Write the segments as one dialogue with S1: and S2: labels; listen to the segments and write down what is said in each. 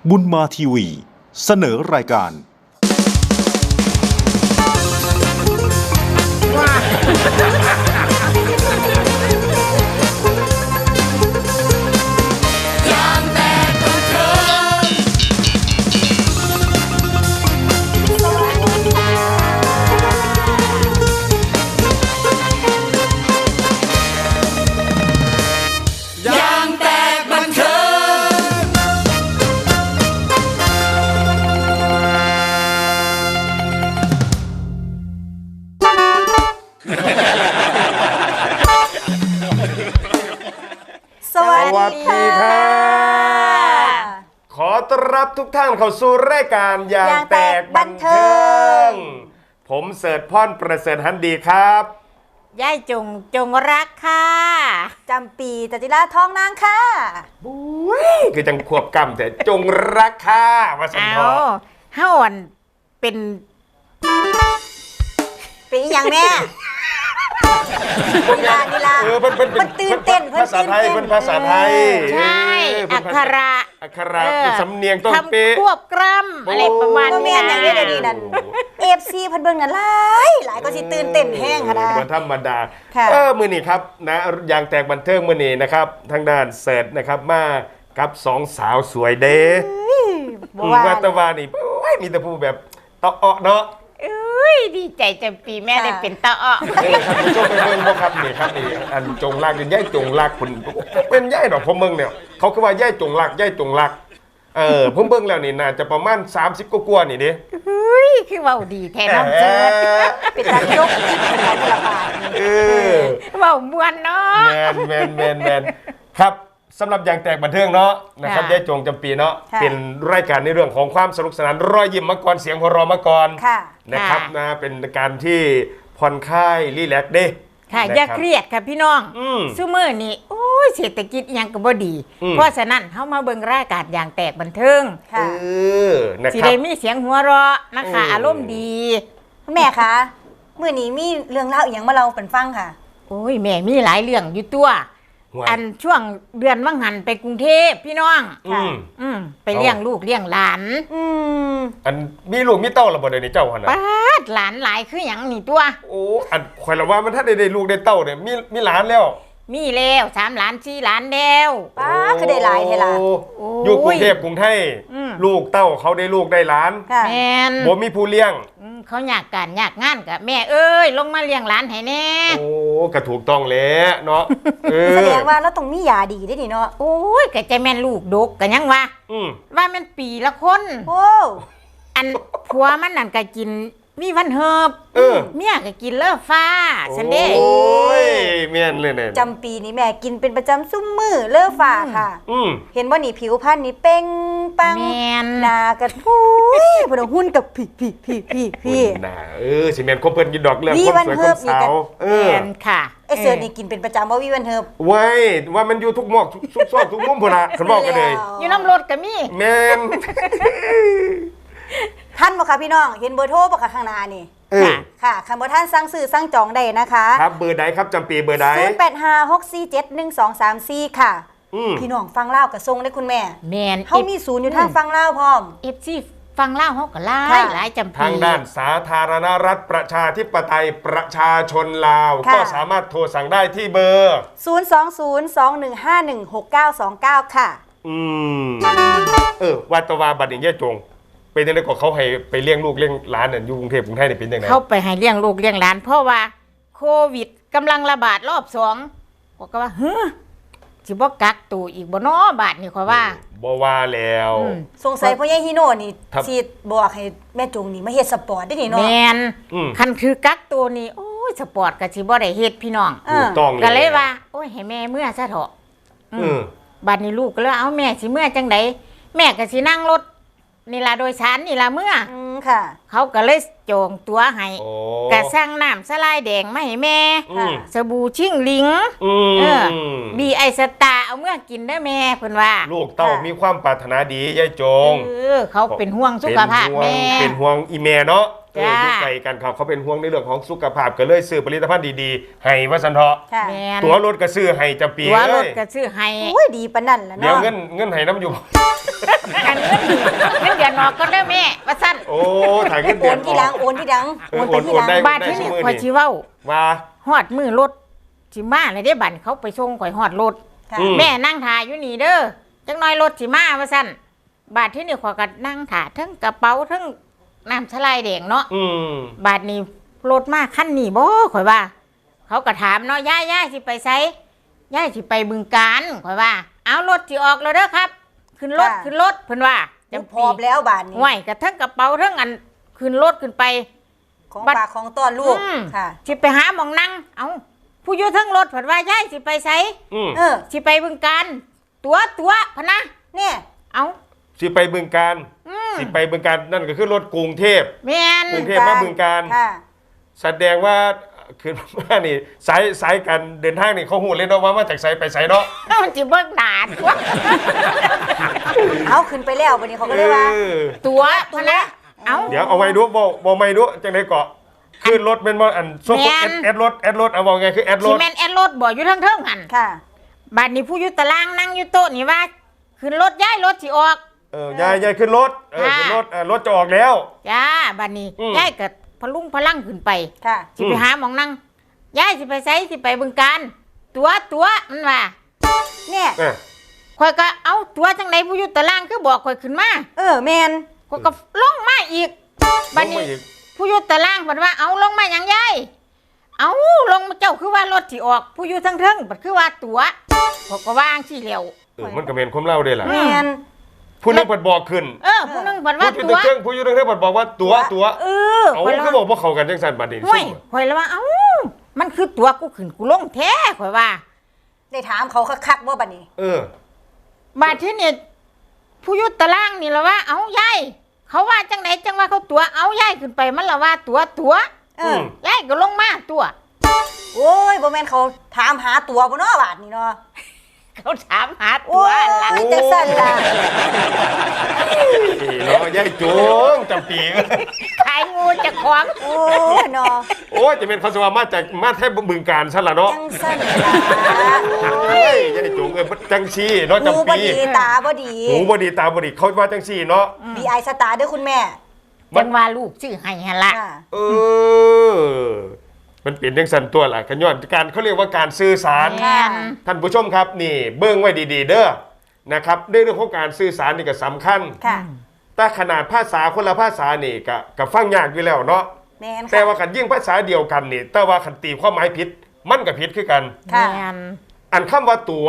S1: บุญมาทีวีเสนอรายการ
S2: สวัสดีค่ะขอต้อนรับทุกท่านเข้าสู่รายการอย่างแตกบันเทิงผมเสิร์ชพรประเสริฐหันดีครับ
S3: ย่ายจงรักค่ะ
S4: จำปีตติลาทองนางค่ะ
S2: บุ้ยคือจังควบกำแต่จงรักค่ะมาสันทอ
S3: เฮาอันเป็น
S4: อย่างแม่นีลามันตื่นเต้น
S2: ภาษาไทยเป็นภาษาไทย
S3: ใช่อักขระ
S2: สำเนียงต้องเป๊ะ
S3: ควบกล้ำอะไรประมาณนี้
S4: นะอย่างนี้นั่นFC เพิ่นเบิ่งนั่นหลายก็สิตื่นเต้นแห้งค่ะนะ
S2: บ่ธรรมดามื้อนี้ครับนะอย่างแตกบันเทิงมื้อนี้นะครับทางด้านเสิร์ชนะครับมากับสองสาวสวยเด้ว่าตะวานี่มีแต่ผู้แบบตะเาะเนาะ
S3: ดีใจจำปีแม่ได้เป็นตาอ้อ
S2: ครับผู้ชมเป็นเมืองบ่ครับนี่ครับนี่อันจงรักเป็นย่ายจงรักคุณเป็นย่ายดอกผมเมืองเนี่ยเขาคือว่าย่ายจงรักผมเบิ่งแล้วนี่น่าจะประมาณ30กว่านี่เด้
S3: คือว่าดีแท้น้องเจิด
S4: เป็นการยกเป็นการระบาด
S3: เว้าม่วนเนาะ
S2: แม่นครับสำหรับอย่างแตกบันเทิงเนาะนะครับย่ายจงจำปีเนาะเป็นรายการในเรื่องของความสนุกสนานรอยยิ้มมาก่อนเสียงหัวเราะมาก่อนนะครับนะเป็นการที่ผ่อนคลายรีแลกซ์เด้
S3: ค่ะอย่าเครียดค่ะพี่น้องซุมื้อนี้โอ้ยเศรษฐกิจยังก็บ่ดีเพราะฉะนั้นเฮามาเบิ่งรายการอย่างแตกบันเทิง
S2: นะครับ
S3: สิได้มีเสียงหัวเราะนะคะอารมณ์ดี
S4: แม่คะมื้อนี้มีเรื่องเล่าอีหยังมาเล่าเพิ่นฟังค่ะ
S3: โอ้ยแม่มีหลายเรื่องอยู่ตัวอันช่วงเดือนวังหันไปกรุงเทพพี่น้องไปเลี้ยงลูกเลี้ยงหลาน
S2: อันมีลูกมีเต้าระบ่ได้ในเจ้าหั่นน่ะ
S3: ป้าดหลานหลายคือหยังนี่ตัว
S2: โอ้อันข่อยละว่ามันถ้าได้ลูกได้เต้าเนี่ยมีหลานแล้ว
S3: มีแล้ว3 หลาน4 หลานแล้ว
S4: ป้าคือได้หลายเท่าล่ะ
S2: อยู่กรุงเทพกรุงไทยลูกเต้าเขาได้ลูกได้หลาน
S3: แม่น
S2: บ่มีผู้เลี้ยง
S3: เขาอยากการอยากงานกับแม่เอ้ยลงมาเลี้ยงหลานให้แน่
S2: โอ้ก็ถูกต้องแล้วเนาะ
S4: แสดงว่าเราต้องมียาดีได้ดิเนาะ
S3: โอ้ยก็จะแม่นลูกดกกันยังวะว่ามันปีละคน
S4: โอ้
S3: อันผัวมันนั่นก็กินมีวันเฮิบเมียก็กินเลิศฟ้าฉันเด้
S2: โอ้ยเมียนเลยเนี่ย
S4: จำปีนี้แม่กินเป็นประจำซุ่มมือเลิศฟ้าค่ะเห็นว่านี่ผิวพรรณนี่เป้งปังหน้ากระทุยพอหุ้นกับพี่
S2: หน้าสิเมียนคบเพิ่นกินดอกเรื่องคนสวยคนสาว
S3: แม่นค่ะ
S4: ไอเสือนี่กินเป็นประจำว่าวิวันเฮิบ
S2: ไว้ว่ามันอยู่ทุกหมอกทุกซอกทุกมุมพุ่นน่ะคันบอกกันเลย
S3: อยู่น้ำรถก็มี
S2: แม่น
S4: ท่านบ่ค่ะพี่น้องเห็นเบอร์โทรบ่ค่ะข้างหน้านี่ค่ะคันบ่ท่านสั่งซื้อสั่งจองได้นะคะ
S2: ครับเบอร์ใดครับจำปีเบอร์ใด
S4: 0856471234ค่ะพี่น้องฟังเล่ากับทรงได้คุณแม่
S3: แม่น
S4: เฮามีศูนย์อยู่ทางฟังเล่าพร้อม
S3: FC ฟังเล่าเฮาก็หลายจำปี
S2: ทางด้านสาธารณรัฐประชาธิปไตยประชาชนลาวก็สามารถโทรสั่งได้ที่เบอร์
S4: 02021516929ค่ะ
S2: วัดตะวาบัดนี้ย่าจงเป็นยังไงก็เขาให้ไปเลี้ยงลูกเลี้ยงหลานอยู่กรุงเทพกรุงไทยเป็นยังไง
S3: เขาไปให้เลี้ยงลูกเลี้ยงหลานเพราะว่าโควิดกำลังระบาดรอบ2บอกว่าสิบ่กักตัวอีกบ่น้อบาดนี่ขอว่า
S2: บ่ว่าแล้ว
S4: สงสัยพ่อใหญ่ฮิโน่นี่สิบอกให้แม่จงนี่มาเฮ็ดสปอร์ตได้นี่เนาะ
S3: แม่นคันคือกักตัวนี่โอ้ยสปอร์ตก็สิบ่ได้เฮ็ดพี่น้อง
S2: ถูกต้องเลย
S3: ก็เลยว่าโอ้ยให้แม่เมื่อซะเถอะบัดนี้ลูกก็เลยเอาแม่สิเมื่อจังได๋แม่ก็สินั่งรถนี่ล่ะโดยสารนี่ล่ะเมื่อ
S4: ค่ะ
S3: เขาก็เลยจองตั๋วให้ก็สั่งน้ำสลายแดงมาให้แม่สบู่ชิ่งหลิงบีไอสตาเอาเมื่อกินได้แม่เพิ่นว่า
S2: ลูกเต้ามีความปรารถนาดียายจง
S3: เขาเป็นห่วงสุขภาพแม่
S2: เป็นห่วงอีแม่เนาะอยู่ไกลกันเขาเป็นห่วงในเรื่องของสุขภาพก็เลยซื้อผลิตภัณฑ์ดีๆให้ว่าซั่นเถาะ
S4: ค่ะ
S3: แม่น
S2: ตัวรถก็ซื้อให้จำปี
S3: ตัวร
S2: เล
S3: ถ
S2: ย
S3: ก็ซื้อให้
S4: โอ้ยดีปานนั่นล่ะ
S2: เดี๋ยว
S4: เนาะ
S2: เงินให้น้ำอยู่
S3: อันเงินเดือนออกก็ได้แม่ว่าซั่น
S2: โอ้ถ่ายเงิน
S4: โอ
S2: เดือน
S4: นที่หลังโอนที่หลัง
S2: เออ
S4: โอนไปที่หลัง
S2: โอนได้
S3: บาดที่นี่ข่อยสิเว้า
S2: ว่า
S3: ฮอดมือรถสิมาเลยได้บั่นเขาไปส่งข่อยฮอดรถ
S4: ค่ะ
S2: อืม
S3: แม่นั่งถ่ายอยู่นี่เด้อจักหน่อยรถสิมาว่าซั่นบาดที่นี่ข่อยก็นั่งถ่าทั้งกระเป๋าทั้งน้ำสไลด์แดงเนาะ
S2: อืม
S3: บาดนี้รถมาคันนี้บ่ข่อยว่า เขาก็ถามเนาะย่าสิไปไสย่าสิไปบึงกาฬข่อยว่า เอารถสิออกแล้วเด้อครับ ขึ้นรถ
S4: ค่ะ
S3: ขึ้นรถเพิ่นว่า
S4: จะพอบแล้วบาดนี้
S3: ห้วยกระทั้งกระเป๋าทั้งอันขึ้นรถขึ้นไป
S4: ของ
S3: บัด
S4: ฝากของต้อนลูก
S3: อืม
S4: ค่ะ
S3: สิไปหาหมองนั่งเอาผู้อยู่เทั้งรถเพิ่นว่าย่าสิไปไส
S2: อืม
S4: เออ
S3: สิไปบึงกาฬตัวพะนะ
S4: เนี่ย
S3: เอา
S2: สิไปบึงการ
S3: อืม
S2: สิไปบึงการนั่นก็คือรถกรุงเทพ
S3: แม่น
S2: กรุงเทพมาบึงการ
S4: ค่ะ
S2: แสดงว่าคือว่านี่สายการเดินทางนี่เขาหูเลยเนาะว่ามาจากไสไปไสเนาะ
S3: มันสิเบิ่งหน้าตัว
S4: เอาขึ้นไปแล้ววันนี้เขาก็เลยว่า
S2: เออ
S3: ตัวพะนะเอา
S2: เดี๋ยวเอาไว้ดูบ่ไม่ดูจังได๋เกาะขึ้นรถเป็นบ่อันโซ
S3: แม่น
S2: แอดรถเอาว่าไงคือแอดร
S3: สิ
S2: ถ
S3: แม่นแอดรถบ่อยู่เทิงๆหั่น
S4: ค่ะ
S3: บัดนี้ผู้อยู่ตารางนั่งอยู่โต๊ะนี่ว่าขึ้นรถย้ายรถสิออก
S2: ยายขึ้นรถขึ้นรถรถจะออกแล้ว
S3: จ้าบัดนี้
S2: อืม
S3: ย้ายก็พลุงพลังขึ้นไป
S4: ค่ะ
S3: สิไปหาหมองนั่งย้ายสิไปไสสิไปบึงการตัวมันว่า
S4: เนี่ย
S3: ข่อยก็เอาตัวจังไดผู้อยู่ตารางคือบอกข่อยขึ้นมา
S4: แมน
S3: ข่อยก็ลงมาอีกบัดนี้ผู้อยู่ตารางเพิ่นว่าเอาลงมาหยังยายเอาลงมาเจ้าคือว่ารถสิออก ผู้อยู่ทั้งเทิงบัดคือว่าตัวข่อยก็วางสิแล้ว
S2: มันก็เป็นความเล่าได้ล่ะ
S4: แมน
S2: ผู้นึงเปิดบอกขึ้น
S3: ผู้หนึงเพิ่น
S2: ผู้
S3: ว่า
S2: อยู่
S3: ตัว
S2: เครื่องผู้อยู่เครื่องเปิดบอกว่าตัว
S3: เออ
S2: เอา
S3: ข่อย
S2: คือ
S3: ว่า
S2: บอกว่าเขากันจังซั่นบัดนี้
S3: ห่วยข่อยแล้วว่าเอ้ามันคือตัวกูขึ้นกูลงแท้ข่อยว่า
S4: ได้ถามเขาคักๆว่าบัดนี้
S3: บาดที่นี่ผู้อยุตตารางนี่ละว่าเอายายเขาว่าจังไหนจังว่าเขาตัวเอายายขึ้นไปมันละว่าตัว
S4: เออ
S3: ยายก็ลงมาตัว
S4: โอ้ยบ่แม่นเขาถามหาตัวบ่เนาะบาดนี้เนาะ
S3: เขาถามหาตั
S4: โอ้
S3: วย ละ
S4: จังสั่นล่ะ
S2: เนาะยายโจงจำปี
S3: ขายงูจะของ
S4: โอ้ยเนาะ
S2: โอ้ยจะเป็นเขาสว่ามาแทบบึงการซะละเนาะ
S4: จังสั่นล่ะ
S2: เฮ้ยยายโจงจังซี่เนาะ
S4: หู
S2: จำ
S4: บ่
S2: ปี
S4: ดีตาบ่ดี
S2: หูบ่ดีตาบ่ดีเขาว่าจังซี่เนาะ
S4: BI สตาร์เด้อคุณแม่
S2: มั
S3: จั
S2: น
S3: งว่าลูกชื่อให้หั่นละ
S4: ค่ะ
S2: เออ มันเป็นจังซั่นตัวล่ะกันย้อนการเขาเรียกว่าการสื่อสาร
S3: แม่น
S2: ท่านผู้ชมครับนี่เบิ้งไว้ดีๆเด้อนะครับในเรื่องของการสื่อสารนี่ก็สำคัญ
S4: ค่ะ
S2: แต่ขนาดภาษาคนละภาษานี่ก็ฟังยากอยู่แล้วเนาะ
S4: แม่น
S2: แต่
S4: ค่ะ
S2: ว่ากันยิ่งภาษาเดียวกันนี่แต่ว่าคันตีความหมายผิดมันก็ผิดคือกัน
S4: ค่ะ
S3: แม่น
S2: อันคำว่าตัว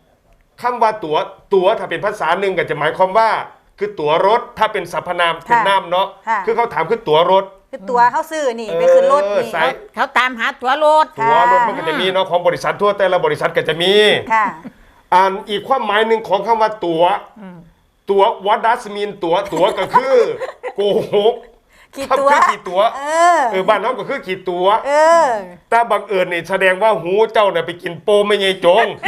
S2: ถ้าเป็นภาษาหนึ่งก็จะหมายความว่า คือตั๋วรถถ้าเป็นสรรพนามเป็นนามเนาะ
S4: ค่ะ
S2: คือเขาถามคือตั๋วรถ
S4: คือตัวเฮาซื้อนี่ไปขึ้นรถนี่
S2: สาย
S3: เขาตามหาตัวรถ
S4: ค่ะ
S2: ตั๋วรถมันก็จะมีเนาะของบริษัททั่วแต่ละบริษัทก็จะมี
S4: ค่ะ
S2: อันอีกความหมายหนึ่งของคำว่าตั๋วwhat does mean ตั๋วก็คือโกหก
S4: ขี่ตัว
S2: คือขี่ตั๋ว บ้านน้องก็คือขี่ตั๋ว
S4: เออ
S2: แต่บังเอิญนี่แสดงว่าหูเจ้าเนี่ยไปกินโปไม่ยายจง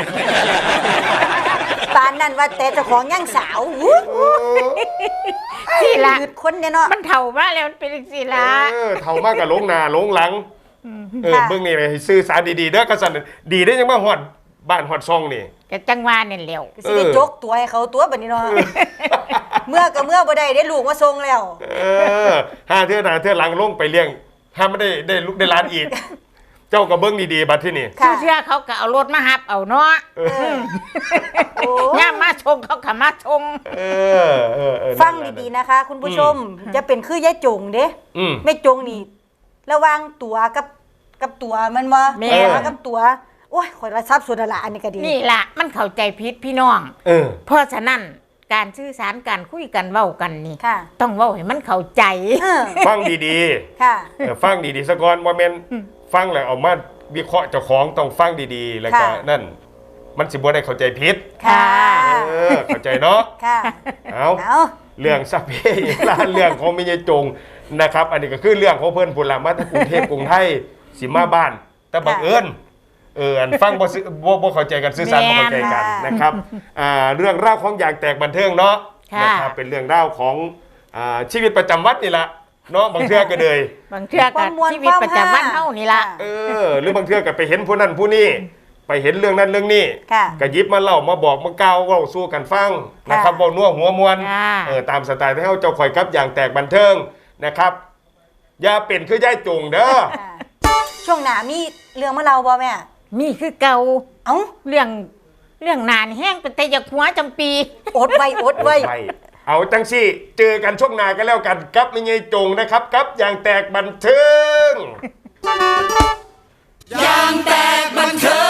S4: ปานนั่นว่าแต่เจ้าของย่างสาวอู้
S3: สิละ
S4: หยุดคนเนี่ยเนาะ
S3: มันเถ่ามาแล้วมันเป็นสิละ
S2: เท่ามากกับหลงหนาหลงหลังเบื้องนี่เลยให้สื่อสารดีๆเด้อกษัตริย์ดีได้ยังมาฮอดบ้านฮอดซองนี่
S3: ก็จังว่าเนี่ยเร็ว
S4: ก็สิได้จกตัวให้เขาตัวบัดนี้เนาะเมื่อก็เมื่อบ่ได้ได้ลูกมาส่งแล้ว
S2: ห้าเทื่อหน้าเทื่อหลังลงไปเลี้ยงห้าไม่ได้ลูกได้ร้านอีก เจ้ากับเบื้องดีๆบัดที่นี่
S4: ค่ะ
S3: เชื่อเขาก็เอารถมาหับเอาเนาะ
S4: โอ้
S3: ย่ามมาชงเขาก็มาชง
S4: ฟังดีๆนะคะ คุณผู้ชมจะเป็นคือยายจงเด้
S2: ๆ
S4: แม่จงนี่ระหวังตัวกับตัวมันบ่
S3: แม่
S4: กับตัวโอ้ยข่อยละทรัพย์ส่วนละอันนี้ก็ดี
S3: นี่ล่ะมันเข้าใจผิดพี่น้อง เพราะฉะนั้นการสื่อสารการคุยกันเว้ากันนี่
S4: ค่ะ
S3: ต้องเว้าให้มันเข้าใจ
S2: ฟังดี
S4: ค่ะ
S2: ๆฟังดีๆสะก่อนว่าแม่นฟังแล้วเอามาวิเคราะห์เจ้าของต้องฟังดีๆ แล้วก็
S4: ค่ะ
S2: นั่น มันสิบ่ได้เข้าใจผิด
S4: ค่ะ
S2: เข้าใจเนาะ
S4: ค่ะ
S2: เอา
S4: เอา
S2: เรื่องสัพเพลานเรื่องของมิยจงนะครับ อันนี้ก็คือเรื่องของเพิ่นพุ่นละมาจากกรุงเทพกรุงไทยสิมาบ้าน แต่บังเอิญอันฟังบ่เข้าใจกันสื่อสารบ่เข้าใจกันนะครับเรื่องราวของอย่างแตกบันเทิงเนาะนะครับเป็นเรื่องราวของชีวิตประจำวันนี่แหละเนาะบางเทื่อก็เลย
S3: บางเทื่อก็ชีวิตประจำวันเฮานี่ล่ะ
S2: หรือบางเทื่อก็ไปเห็นผู้นั้นผู้นี้ไปเห็นเรื่องนั้นเรื่องนี้ก็หยิบมาเล่ามาบอกมาเกล่าวเว้าสู้กันฟังนะครับเว้านัวหัวมวลตามสไตล์ที่เฮาเจ้าข่อยกับอย่างแตกบันเทิงนะครับอย่าเป็นคือยายจงเด้อ
S4: ช่วงหน้ามีเรื่องมาเล่าบ่แม่
S3: มีคือเก่า
S4: เอ้า
S3: เรื่องนานแห้งเป็นแต่อยากหัวจำปี
S4: อดไว้
S2: เอาจังสิเจอกันช่วงหน้ากันแล้วกันกับไม่ยายจงนะครับกับอย่างแตกบันเทิง
S5: อย่างแตกบันเทิง